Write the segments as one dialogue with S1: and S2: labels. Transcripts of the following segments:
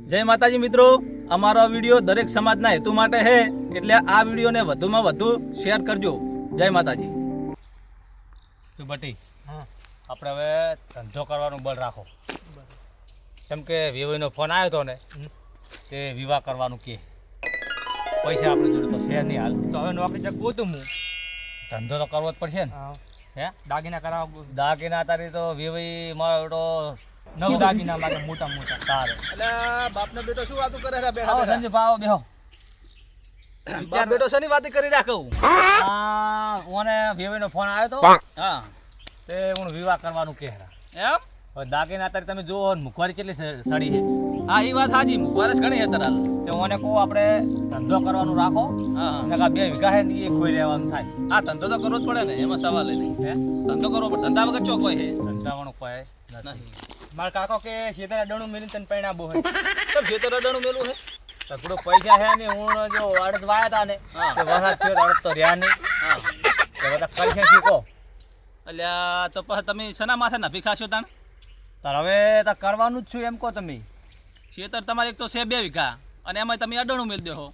S1: જય માતાજી મિત્રો, અમારો વિડીયો દરેક સમાજના હેતુ માટે છે, એટલે આ વિડીયોને વધુમાં વધુ શેર કરજો. જય માતાજી.
S2: બટી આપણે હવે ધંધો કરવાનું બળ રાખો, કેમ કે વિવાહનો ફોન આવ્યો હતો ને તે વિવાહ કરવાનું કે પૈસા આપણે જોડે તો શેર નહીં હાલ, તો હવે નોકરી ચક ગોતું હું ધંધો તો કરવો જ પડશે ને. હે દાગીના કરાવવા, દાગીના તારી તો વિવાહ મારો તો નવ દાગીના માટે મોટા મોટા તારે.
S1: એટલે બાપનો બેટો શું વાતો કરે છે?
S2: આવો સંજય ભાવ બેહો.
S1: બાપ બેટો શેની વાત કરી રાખું?
S2: ઓને વિવાહનો ફોન આવ્યો તો,
S1: હા
S2: તે હું વિવાહ કરવાનું કે
S1: એમ.
S2: હવે દાગીના તારી તમે જુઓ મુખવારી કેટલી સડી છે.
S1: હા એ વાત હાજી, મુખવારસ ઘણી છે તરાલ.
S2: તે ઓને કહો આપણે ધંધો કરવાનું રાખો,
S1: હા
S2: નકા 2 વીઘા હે ને એ ખોઈ રહેવાનું થાય.
S1: હા ધંધો તો કરવો જ પડે ને, એમાં સવાલ નહીં.
S2: હે
S1: ધંધો કરવો પડે, ધંધા વગર ચોખ્ખો છે
S2: ધંધાવાનું કોઈ
S1: નહીં.
S2: મારા કાકો કે શેતર અડાણું મેલી તને પૈણાબો હે.
S1: કેમ ખેતર અડાણું મેલું છે?
S2: તકડો પૈસા હે ને હું જો અડદ વાયા તા ને
S1: હા.
S2: તે વરસાદ થયો અડદ તો રહ્યા નહીં.
S1: હા
S2: તો બધા કરશે શીખો.
S1: એટલે તો પછી તમે શેના માથે નભી ખાશો તાણ?
S2: તાર હવે તો કરવાનું જ છું એમ કહો તમે.
S1: ખેતર તમારે એક તો છે 2 વીઘા અને એમાં તમે અડાણું મેળ દેહો,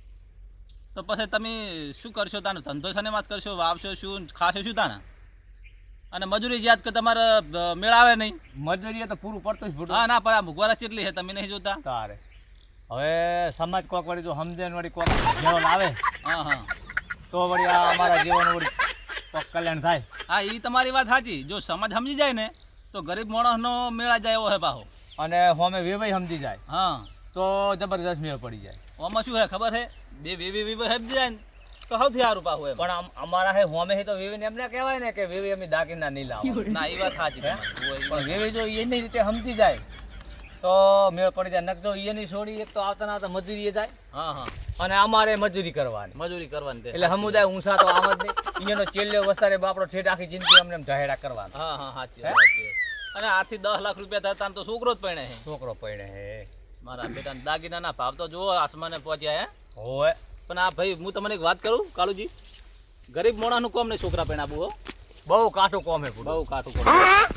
S1: તો પછી તમે શું કરશો તાને? ધંધો છે ને વાત કરશો, વાવશો શું, ખાશો શું તાને? અને મજૂરી યાદ કે તમારે મેળ આવે નહીં.
S2: મજૂરી તો પૂરું પડતું જ ભૂટું.
S1: હા ના પણ આ મુખવારસ કેટલી છે તમે નહીં જોતા?
S2: તારે હવે સમાજ કોક વળી જો સમજે ને વળી કોક જેવો લાવે
S1: હા હા
S2: તો વળી આ અમારા જીવન વળી કોક કલ્યાણ થાય.
S1: હા એ તમારી વાત સાચી. જો સમાજ સમજી જાય ને તો ગરીબ માણસનો મેળા જાય એવો હે પાહો.
S2: અને હોમે વેવાઈ સમજી જાય
S1: હા
S2: તો જબરદસ્ત મેળ પડી જાય.
S1: આમાં શું હે ખબર હે? બે વેવી સમજી જાય ને તો સૌથી સારું પાહું એમ.
S2: પણ અમારા હે હોમે હે તો વેવીને એમને કહેવાય ને કે વેવી અમે દાગીના નહીં લાવો.
S1: ના એ વાત સાચી
S2: હે?
S1: તમારી.
S2: પણ વેવી જો એની રીતે સમજી જાય તો મેળ પડી જાય. નક જો એની છોડી એક તો આવતા ના આવતા મજૂરીએ જાય
S1: હા હા
S2: અને અમારે મજૂરી કરવાની.
S1: મજૂરી કરવાની તે.
S2: એટલે સમુદાય ઊંસા તો આમ જ નહીં. એનો ચેલ્યો વસ્તારે બાપડો ઠેઠ આખી જિંદગી અમને એમ ઢહેડા કરવાનો.
S1: હા હા સાચી
S2: હે?
S1: વાત છે. અને 8 થી 10 લાખ રૂપિયા થતા તો છોકરો જ પરણે છે.
S2: છોકરો પડે હે
S1: મારા બેટાના દાગીનાના ભાવ તો જુઓ આસમાને પહોંચ્યા હે.
S2: હોય.
S1: પણ આ ભાઈ હું તમને એક વાત કરું કાલુજી, ગરીબ મોણાનું કોમ નહીં છોકરા પરણાવું હો.
S2: બહુ કાઠું કોમ હે પૂરું.
S1: બહુ કાઠું કોમ.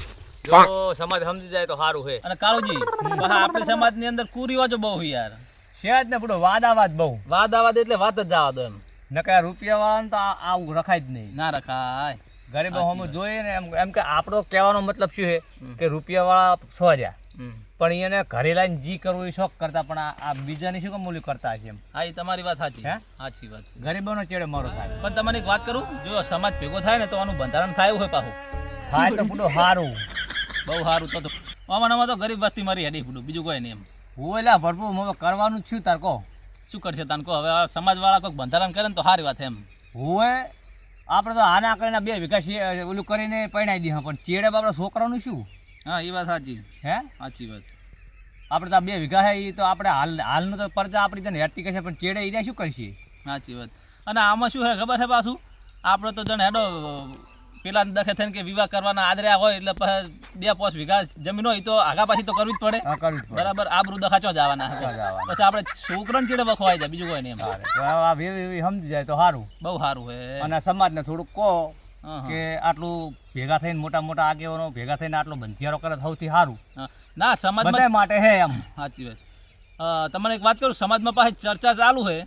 S2: જો સમાજ સમજી જાય તો સારું હે.
S1: અને કાળુજી પાછા આપણી સમાજની અંદર કુરિવાજો બહુ છે યાર.
S2: શેજ ને પૂરો વાદાવાદ બહુ.
S1: વાદ આવાદ એટલે વાત જ જવા દો એમ.
S2: નકર રૂપિયા વાળાને તો આવું રખાય જ નહીં.
S1: ના રખાય.
S2: ગરીબો હમ જોઈએ ને એમ કે આપણો કહેવાનો મતલબ શું છે કે રૂપિયા વાળા સોર્યા પણ એને ઘરે લાઈને જી કરવું એ શોખ કરતા, પણ આ બીજાની શું કામ મૂલ્ય કરતા હશે એમ.
S1: હા એ તમારી વાત સાચી.
S2: હે?
S1: સાચી વાત છે.
S2: ગરીબોનો ચેડે મારો થાય.
S1: પણ તમને એક વાત કરું, જો સમાજ ભેગો થાય ને તો આનું બંધારણ થાય એવું હોય પાછું.
S2: થાય તો પૂરો સારું.
S1: બહુ સારું. તો આમાં તો ગરીબ વસ્તી મારી હેડી પૂરું, બીજું કોઈ નહીં એમ.
S2: હું એટલે ભરપૂર હવે કરવાનું જ છું તાર કહો.
S1: શું કરશે તાન કહો? હવે આ સમાજવાળા કોઈક બંધારણ કરે ને તો સારી વાત એમ.
S2: હું આપણે તો આના કરીને 2 વીઘા ઓલું કરીને પરણાવી દઈએ, પણ ચેડે આપણા છોકરાનું શું?
S1: હા એ વાત સાચી.
S2: હે
S1: સાચી વાત.
S2: આપણે તો 2 વીઘા હે એ તો આપણે હાલનું તો પરજા આપણી તને હેઠતી કહેશે, પણ ચેડે એ શું કરશે?
S1: સાચી વાત. અને આમાં શું છે ખબર છે પાછું, આપણે તો જણ હેડો પેલા દખે થઈને કે વિવાહ કરવાના આદર્યા હોય એટલે પછી 2-5 વીઘા જમીન હોય તો આગા પાછી તો કરવી જ પડે.
S2: હા કરવું જ પડે.
S1: બરાબર. આબરૂ દખાચો જવાના હશે. પછી આપણે છોકરાને ચેડે વખવાઈ જાય, બીજું કોઈ નહીં એમ.
S2: તો આ વેવી સમજી જાય તો સારું.
S1: બહુ સારું છે.
S2: અને સમાજને થોડુંક કહો
S1: હા, હા.
S2: કે આટલું ભેગા થઈને મોટા મોટા આગેવાનો ભેગા થઈને આટલો બંધિયારો કરે સૌથી સારું
S1: હા. ના સમાજમાં
S2: બધા માટે હે એમ.
S1: સાચી વાત. તમને એક વાત કરું, સમાજમાં પાછી ચર્ચા ચાલુ છે.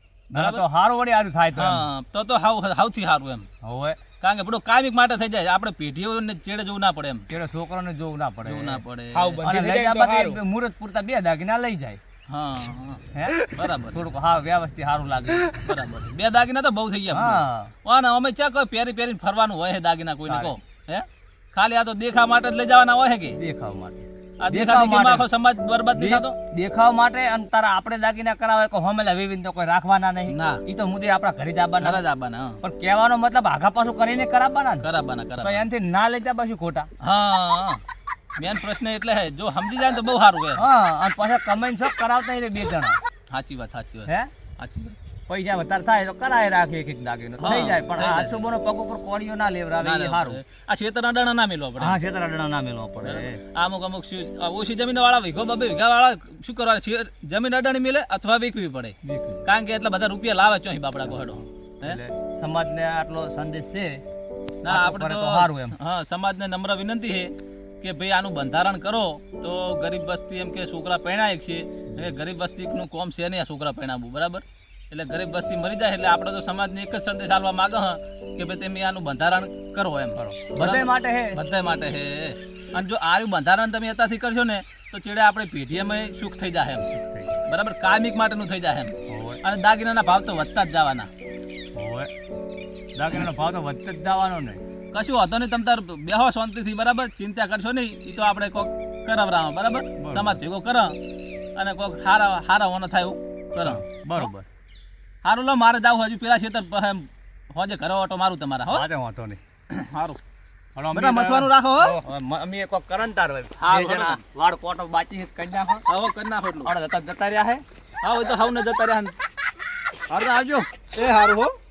S2: ના તો સારું વળી સારું થાય તો એમ.
S1: હા તો સૌથી સારું એમ.
S2: હવે
S1: કારણ કે બધું કાયમિક માટે થઈ જાય, આપણે પેઢીઓને ચેડે જવું ના પડે એમ.
S2: ચેડે છોકરાને જોવું ના પડે.
S1: જોવું ના પડે.
S2: અને લઈ જાય બાદ મુહૂર્ત પૂરતા 2 દાગીના લઈ જાય.
S1: હા હા
S2: હે
S1: બરાબર.
S2: થોડુંક હા વ્યવસ્થિત સારું લાગે.
S1: બરાબર. 2 દાગીના તો બહુ થઈ ગયા.
S2: હા
S1: અને અમે ચા કોઈ પહેરીને ફરવાનું હોય છે દાગીના કોઈને કહો? હે ખાલી આ તો દેખા માટે જ લઈ જવાના હોય છે કે?
S2: દેખાવ માટે.
S1: આ દેખાદેખીમાં આખો સમાજ બરબાદ નહીં થતો?
S2: દેખાવ માટે. અને તારા આપણે દાગીના કરાવે કે હોમેલા વેવીને તો કોઈ રાખવાના નહીં.
S1: ના.
S2: ઈ તો મુદ્દે આપણા ઘરે જ આવવાના.
S1: ઘરે જ આવવાના. હા.
S2: પણ કહેવાનો મતલબ આગા પાછું કરીને કરાવવાના ને.
S1: કરાવવાના.
S2: તો એનાથી ના લઈ જા પાછું ખોટા.
S1: હા મેન પ્રશ્ન એટલે હે, જો સમજી જાય તો બહુ સારું હે.
S2: હા અને પાછા કમાઈને સબ કરાવતા રે 2 જણા.
S1: સાચી વાત. સાચી વાત.
S2: હે
S1: સાચી વાત.
S2: પૈસા વધારે થાય તો કરાય રાખે એક દાગીનો થઈ જાય, પણ આ અશુભોનો પગ ઉપર કોળીઓ ના લેવરાવે એ સારું.
S1: આ ખેતરના દાણા ના મેલવા પડે.
S2: હા છેતરાડણા ના મેલવા પડે.
S1: અમુક ઓછી જમીન વાળા 2 વીઘા વાળા શું કરવા? જમીન અડાણી મેલે અથવા વેચવી પડે. કારણ કે એટલા બધા રૂપિયા લાવે ચોહી બાપડા કોહડો.
S2: એટલે સમાજને આટલો સંદેશ છે.
S1: ના આપણે તો
S2: સારું એમ.
S1: હા સમાજને નમ્ર વિનંતી છે કે ભાઈ આનું બંધારણ કરો તો ગરીબ વસ્તી એમ કે છોકરા પરણાય છે, એટલે ગરીબ વસ્તીનું કોમ છે નહીં આ છોકરા પરણાવવું, બરાબર? એટલે ગરીબ વસ્તી મરી જાય એટલે આપણે તો સમાજને એક જ સંદેશ આપવા માંગે હ કે ભાઈ તમે આનું બંધારણ કરો એમ કરો.
S2: બધાય માટે હે.
S1: બધા માટે હે. અને જો આનું બંધારણ તમે અત્યારથી કરશો ને તો ચેડે આપણે પેઢીએમાં સુખ થઈ જાય એમ, બરાબર? કાયમિક માટેનું થઈ જાય એમ. અને દાગીનાના ભાવ તો વધતા જ જવાના.
S2: દાગીનાનો ભાવ તો વધતો જ જવાનો ને.
S1: કશું વાંધો નહીં, તમે તાર બેહો શાંતિથી, બરાબર? ચિંતા કરશો નહીં, એ તો આપણે કોક કરાવરામાં, બરાબર? સમાજ ભેગો કરો અને કોક હારા હોના થાય એવું કરો.
S2: બરોબર.
S1: સારું, લો મારે જાવ હજુ પેલા ખેતર હોજે ઘરે ઓટો મારું તમારા. હો
S2: વાંધો નહીં.
S1: સારું બેટા, મથવાનું રાખો. હો
S2: અમે કોક કરન તાર હોય.
S1: હા,
S2: બે જણા વાળ કોટો બાચી કરી નાખો.
S1: હવે કરી નાખો એટલું.
S2: જતા રહ્યા હે.
S1: હા, હોય તો હાવ ને જતા રહ્યા.
S2: હારું આવજો.
S1: એ હારું હો.